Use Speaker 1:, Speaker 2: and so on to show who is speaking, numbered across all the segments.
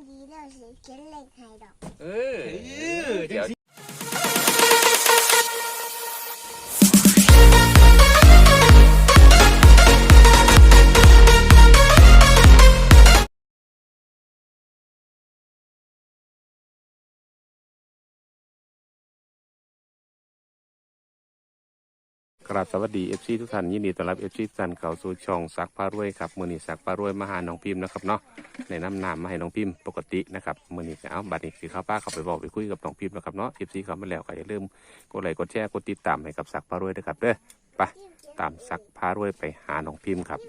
Speaker 1: ดีแล้วสิเขียนเลขให้ดอก
Speaker 2: เดี๋ยวครับสวัสดีเอฟซีทุกท่านยินดีต้อนรับเอฟซีทุกท่านเข้าสู่ช่องสักพารวยครับมือนี้สักพารวยมาหาน้องพิมพ์นะครับเนาะในน้ำมาให้น้องพิมพ์ปกตินะครับมือนี้เอาบัดนี้สิข้าวป้าเข้าไปบอกไปคุยกับน้องพิมพ์นะครับเนาะเอฟซีเข้ามาแล้วก็อย่าลืมกดไลค์กดแชร์กดติดตามให้กับสักพารวยด้วยครับเด้อไปตามสักพารวยไปหาน้องพิมพ์ครับ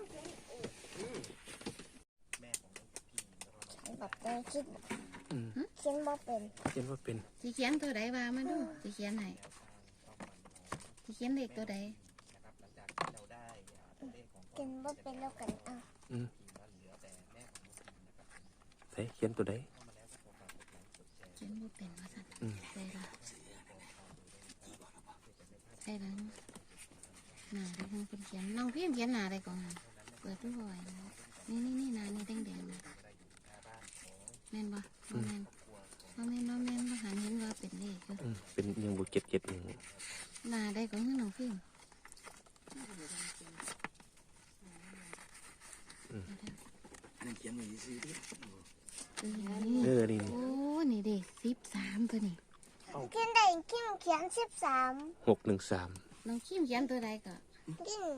Speaker 1: บอกได้คิดเขียนบ่เป็น
Speaker 2: เขียนว่าเป็น
Speaker 3: สิเขียนตัวใดว่ามาดูสิเขียนไหนสิเขียนเลขตัวใด
Speaker 1: เขียนบ่เป็นแล้วกันเอา
Speaker 2: เฮ้ยเขียนตัวใด
Speaker 3: เขียนบ่เป็นว่าสั่นใส่ละใส่ละหน้าได้ทั้งเป็นเขียนน้องพิมพ์เขียนหน้าได้ก่อนเปิดดูบ่อยนี่หน้านี่แดงๆนะแม่นบ่บ่แม่นบ่หันเห็นว่าเป็นเลขอยู่
Speaker 2: เป็นยังบุเก็ตยัง
Speaker 3: หน้าได้ก่อนให้น้องพิมพ์
Speaker 4: เขียนหน่อยสิดิ
Speaker 2: นี่
Speaker 3: โอ้นี่เด็ก13ตัวนี้
Speaker 1: เขียนได้คิมเขียน13
Speaker 2: 613
Speaker 3: น้องคิมเขียนตัวใดก็
Speaker 1: กิน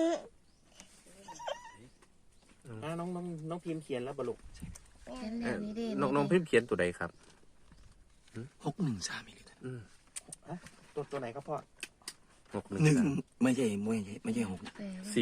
Speaker 4: น้องพิมพ์เขียนแล้วบลุก
Speaker 3: เขียนแล้วนี่เด้
Speaker 2: น้องพิมพ์เขียนตัวใดครับ
Speaker 4: 613อีกตัวไหนครับพ่อ
Speaker 2: 613
Speaker 4: ไม่ใช่6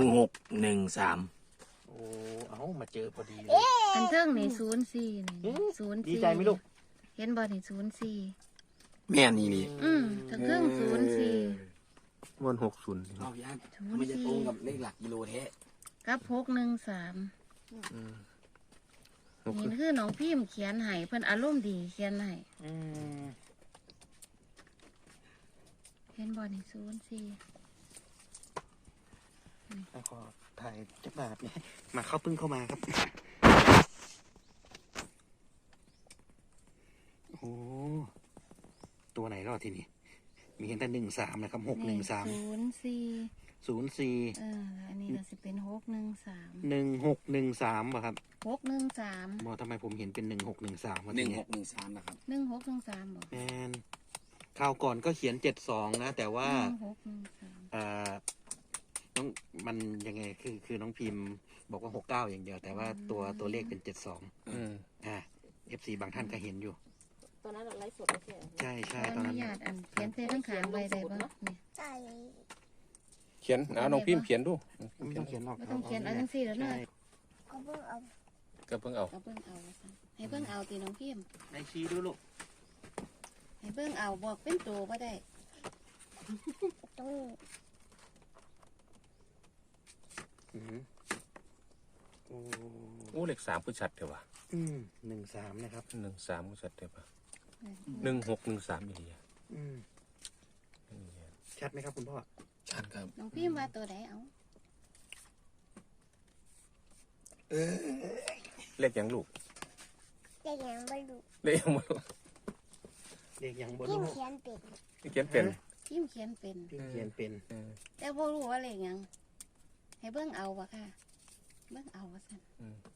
Speaker 4: 1613โอ้เอามาเจอพอดีเลย
Speaker 3: อันเทิงนี่04นี่04
Speaker 4: ดีใจไหมลูก
Speaker 3: เห็นบ่นี่04
Speaker 4: แม่นี่นี่
Speaker 3: ทั้งเทิง04
Speaker 2: วัน60
Speaker 4: เอาย่าไม่จะตรงกับเลขหลักกิโลแท้
Speaker 3: กับ613นี่คือน้องพิมพ์เขียนให้เพิ่นอารมณ์ดีเขียนให้เห็นบ่นี่
Speaker 4: แล้วขอถ่ายจักรบาทเนี่ยมาเข้าพึ่งเข้ามาครับโอ้ตัวไหนรอดทีนี้มีเห็นแต่13นะครับ613 04
Speaker 3: อันนี้ก็สิเป็น613
Speaker 4: 1613ป่ะครับ
Speaker 3: 613
Speaker 4: ทำไมผมเห็นเป็น1613วะ1613นะครับ
Speaker 3: 1613บ่
Speaker 4: แมนคราวก่อนก็เขียน72นะแต่ว่าน้องมันยังไงคือน้องพิมพ์บอกว่า69อย่างเดียวแต่ว่าตัวเลขเป็น72FC บางท่านก็เห็นอยู่
Speaker 5: ตอนนั้นเราไลฟ์สด
Speaker 4: ใช่ตอนนั้น
Speaker 3: อนุญาตอันเขียนเส้นข้างๆไว้ได้บ่นี่
Speaker 1: ใส่
Speaker 2: เขียนน้องพิมพ์เขียนดู
Speaker 4: ไม่ต้องเขียนหรอก
Speaker 3: บ่ต้องเขียนเอาจังซี่แล้วเนาะ
Speaker 1: ก็เพิ่งเอา
Speaker 2: ก็เพิ่งเอา
Speaker 3: ให้เพิ่งเอาตีน้องพิมพ์
Speaker 4: ในชี้ดูลูก
Speaker 3: ให้เพิ่งเอาบอกเป็นตัวบ่ได้
Speaker 1: ต้อง
Speaker 2: โอ้เลข3คือชัดเถอะวะ
Speaker 4: 13นะครับ
Speaker 2: 13คือชัดเถอะปะ1613อีเดีย
Speaker 4: ชัดไหมครับคุณพ่อชัดครับ
Speaker 3: น้องพิมพ์ว่าตัวใดเอา
Speaker 2: เลขยังลูก
Speaker 1: เลขยังบ่รู้
Speaker 2: เลขยังบ่รู้
Speaker 4: เลขยังบ่
Speaker 1: รู้เขียนเป็น
Speaker 3: พิมพ์เขียนเป็นแต่บ่รู้ว่าเลขยังให้เบิ่งเอาบ่ค่ะเบิ่งเอาว่าซั่น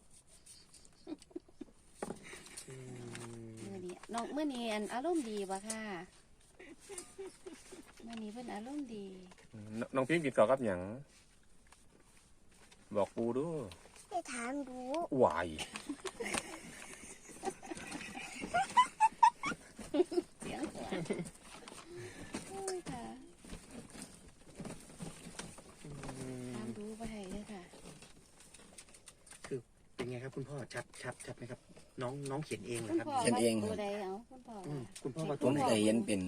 Speaker 3: มื้อนี้อันอารมณ์ดีบ่ค่ะมื้อนี้เพิ่นอารมณ์ดี
Speaker 2: น้องพิมพ์กินข้าวกับหยังบอกปูดู
Speaker 1: ให้ถามดู
Speaker 2: วาย
Speaker 3: เสียงค่ะถามดูบ่ให้เด้อค่ะ
Speaker 4: คือเป็นไงครับคุณพ่อชัดไหมครับน้องเขียนเองเหรอครับ
Speaker 3: เขียนเองตัวใดเอา
Speaker 4: คุณพ่อว่า
Speaker 6: ผมเคยเห็นเป็น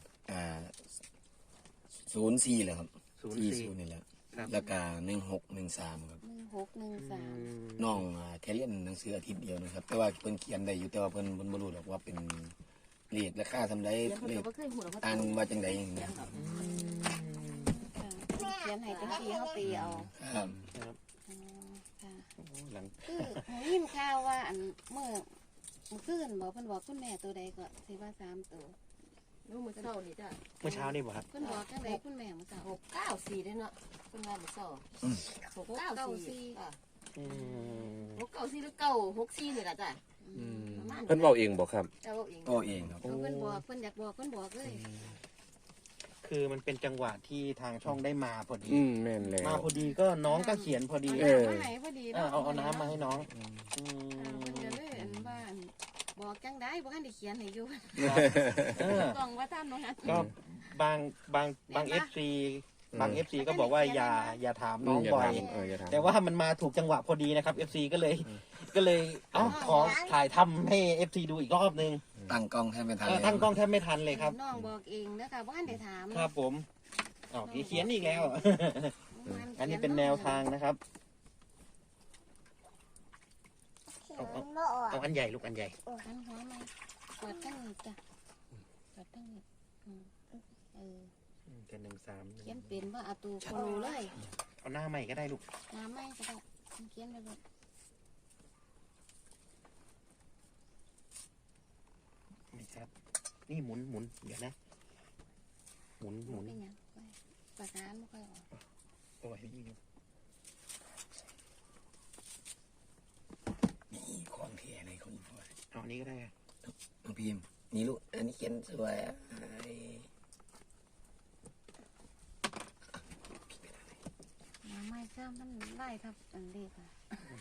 Speaker 6: 04เลยครับ40นี่แหละแล้วก็1613ครับ
Speaker 3: 1613
Speaker 6: น้องแค่เรียนหนังสืออาทิตย์เดียวนะครับแต่ว่าเพิ่นเขียนได้อยู่แต่ว่าเพิ่นบ่รู้หรอกว่าเป็นเลขราคาทำได้เลขอ่านว่าจังได๋อย่างเงี้ย
Speaker 3: เขียนให้เป็นสีเฮาตีเอา
Speaker 6: ครับ
Speaker 3: คือยินข่าวว่าอันเมื่อมันขึ้นบอกเพิ่นบอกคุณแม่ตัวใดก็สิว่า3ตัว
Speaker 5: นู้มือเศร้านี่จ้ะ
Speaker 4: เมื่อเช้านี่บอกครับ
Speaker 3: เพิ่นบอกจังไดคุณแม่มื้อเช้า
Speaker 5: 694ได้เนาะเป็นว่ามือเศร้า694อ่ะ
Speaker 4: อืม
Speaker 5: 694หรือ964นี่ล่ะจ้ะ ประมาณ
Speaker 2: เพิ่นเว้าเองบ่ครับ
Speaker 5: เจ้าเอง
Speaker 6: ก็เองครับ
Speaker 3: เพิ่นบอกเพิ่นอยากบอกเพิ่นบอกเลย
Speaker 4: คือมันเป็นจังหวะที่ทางช่องได้มาพอดี
Speaker 2: แม่นแล้ว
Speaker 4: มาพอดีก็น้องก็เขียนพอดี
Speaker 3: เอาน้ำมาให้พอดี
Speaker 4: เอาน้ำมาให้น้อง
Speaker 3: เพิ่นก็เลยอันว่าอันบอกจังได้บ่ทันได้เขียนให้อยู่
Speaker 4: เออ
Speaker 3: ต้องว่าท่านบ่ฮะ
Speaker 4: ก็บางเอฟซีบางเอฟซีก็บอกว่าอย่าถามน้องบ่อย
Speaker 2: อย่าถาม
Speaker 4: แต่ว่ามันมาถูกจังหวะพอดีนะครับ FC ก็เลยขอถ่ายทำให้ FC ดูอีกรอบนึง
Speaker 6: ตั้งกล้องแทบไม่ทันเลย
Speaker 4: ตั้งกล้องแทบไม่ทันเลยครับ
Speaker 3: น้องบอกเองนะคะบ่ทันได้ถาม
Speaker 4: ครับผมเขียนอีกแล้ว อันนี้เป็นแนวทางนะครับ
Speaker 1: เขียนบ่ออก
Speaker 4: เอาอันใหญ่ลูกอันใหญ่
Speaker 3: อันหัวมาเปิดตั้งนี้จ้ะเปิดตั้งนี้
Speaker 4: เป็น13
Speaker 3: เขียนเป็นว่าอาตูโคโลเลย
Speaker 4: เอาหน้าใหม่ก็ได้ลูก
Speaker 3: น้ำไม่ก็ได้เขียนไปเลย
Speaker 4: ไม่ครับ นี่หมุนเดี๋ยวนะหมุน
Speaker 3: เป็นยังปากกาไม่ค่อยออก
Speaker 4: โอ้ยนี่
Speaker 6: นี่ของเทียอะไรของพ่อ
Speaker 4: เอาอันนี้ก็ได้
Speaker 6: น้องพิมพ์นี่ลูกอันนี้เขียนสวยอ่ะ
Speaker 3: น้ำไม่ซ้ำมันไล่ทับอันเล็กค่ะ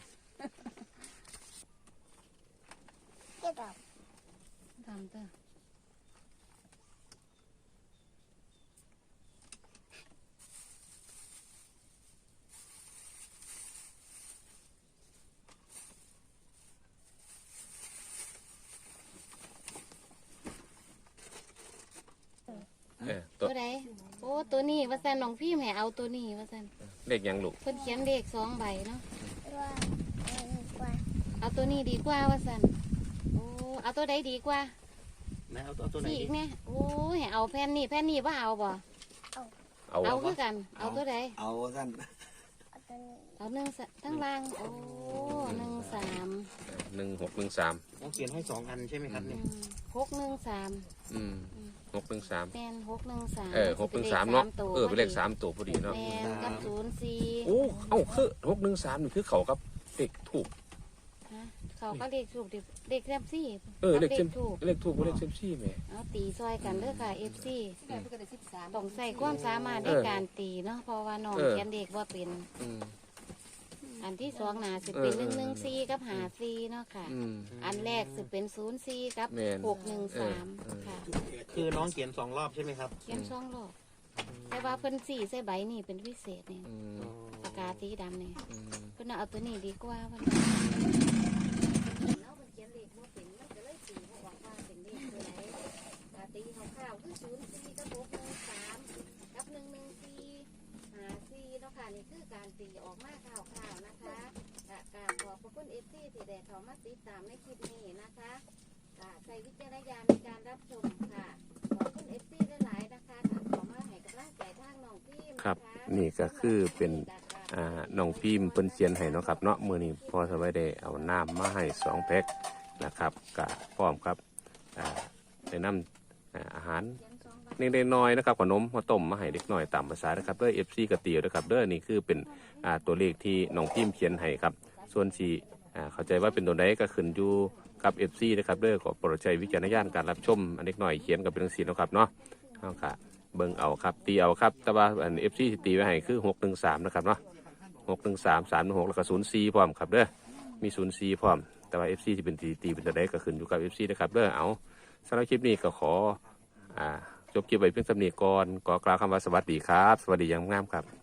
Speaker 1: เจ็ดดอก
Speaker 3: ทำเถอะตัวใดโอ้ตัวนี้ว่าสันน้องพี่แม่เอาตัวนี้ว่าสัน
Speaker 2: เลขหยังลูก
Speaker 3: เพิ่นเขียนเลข2ใบเนาะ
Speaker 1: ว่าว่า
Speaker 3: เอาตัวนี้ดีกว่าว่าสันโอ้เอาตัวใดดีกว่า
Speaker 4: นะเอาตัวไหน
Speaker 3: สี่
Speaker 4: ดี
Speaker 3: อีกเนี่ยโอ้ยเอาแผ่นนี้ว่าเอาบ่
Speaker 2: เอา
Speaker 3: เอาคือกัน เอาตัวใด
Speaker 6: เอาสั้น
Speaker 1: เอาตัวนี้
Speaker 3: เอาทั้งล่างโอ้13
Speaker 2: 1613
Speaker 4: ต้องเขียนให้2 อันใช่ไหมครับเนี่ย
Speaker 3: 613
Speaker 2: 613
Speaker 3: แม่น613
Speaker 2: 613เนาะเป็นเลข3ตัวพอดีเนาะ
Speaker 3: แม่นกับ04
Speaker 2: โอ้เอ้าคือ613นี่คือเขากับเลขถูก
Speaker 3: ฮะเขาก็เลขถูกดิเลขแซมซี่
Speaker 2: เลข
Speaker 3: ถูก
Speaker 2: เลขถูกบ่เลขเซมซี่แม่
Speaker 3: เอาตีซอยกันเด้อค่ะ FC
Speaker 5: แม่เพิ่นก็ได้13
Speaker 3: ต้องใส่ความสามารถในการตีเนาะเพราะว่าน้องเขียนเด็กว่าเป็น อันที่2น่ะสิเป็น114กับ54เนาะค่ะ อันแรกสิเป็น04กับ613ค่ะ
Speaker 4: คือน้องเขียน2 รอบใช่ไหมครับ
Speaker 3: เขียน2รอบแต่ว่าเพิ่นสีใส่ใบนี่เป็นพิเศษนี่ปากกาสีดำนี่เพิ่นเอาตัวนี้ดีกว่าว่าแล้วเขียนเลขบ่เป็นมันก็เลยสีบ่ออกว่าเป็นเลขตัวไหนปกติคร่าวๆคือ04กับ613กับ114 54เนาะค่ะนี่คือการตีออกมาคร่าวๆนะคะกราบขอบพระคุณ FC ที่ได้เข้ามาติดตามในคลิปนี้นะคะใช้วิจารณญาณในการรับชมค่ะขอบคุณ FC หลายๆนะคะขอมาให้กำลังใจทางน้องพิมพ์
Speaker 2: ครับนี่ก็คือเป็นน้องพิมพ์เพิ่นเขียนให้เนาะครับเนาะมื้อนี้พอสบายได้เอาน้ำมาให้2แพ็คนะครับก็พร้อมครับได้นำอาหารเล็กๆน้อยๆนะครับขนมมาต้มมาให้เด็กน้อยตามภาษานะครับเด้อ FC กระเตียวนะครับเด้อนี่คือเป็นตัวเลขที่น้องพิมพ์เขียนให้ครับส่วนสิเข้าใจว่าเป็นตัวใดก็ขึ้นอยู่กับ FC นะครับเด้อขอโปรดใช้วิจารณญาณการรับชมอันเล็กน้อยเขียนกับเป็นจังซี่เนาะครับเนาะเฮาค่ะเบิ่งเอาครับตีเอาครับแต่ว่าอัน FC ที่ตีไว้ให้คือ613นะครับเนาะ613 316แล้วก็04พร้อมครับเด้อมี04พร้อมแต่ว่า FC ที่เป็นตีเป็นตัวใดก็ขึ้นอยู่กับ FC นะครับเด้อเอาสำหรับคลิปนี้ก็ขอจบคลิปไว้เพียงเท่านี้ก่อนขอกล่าวคำว่าสวัสดีครับสวัสดีอย่างงามครับ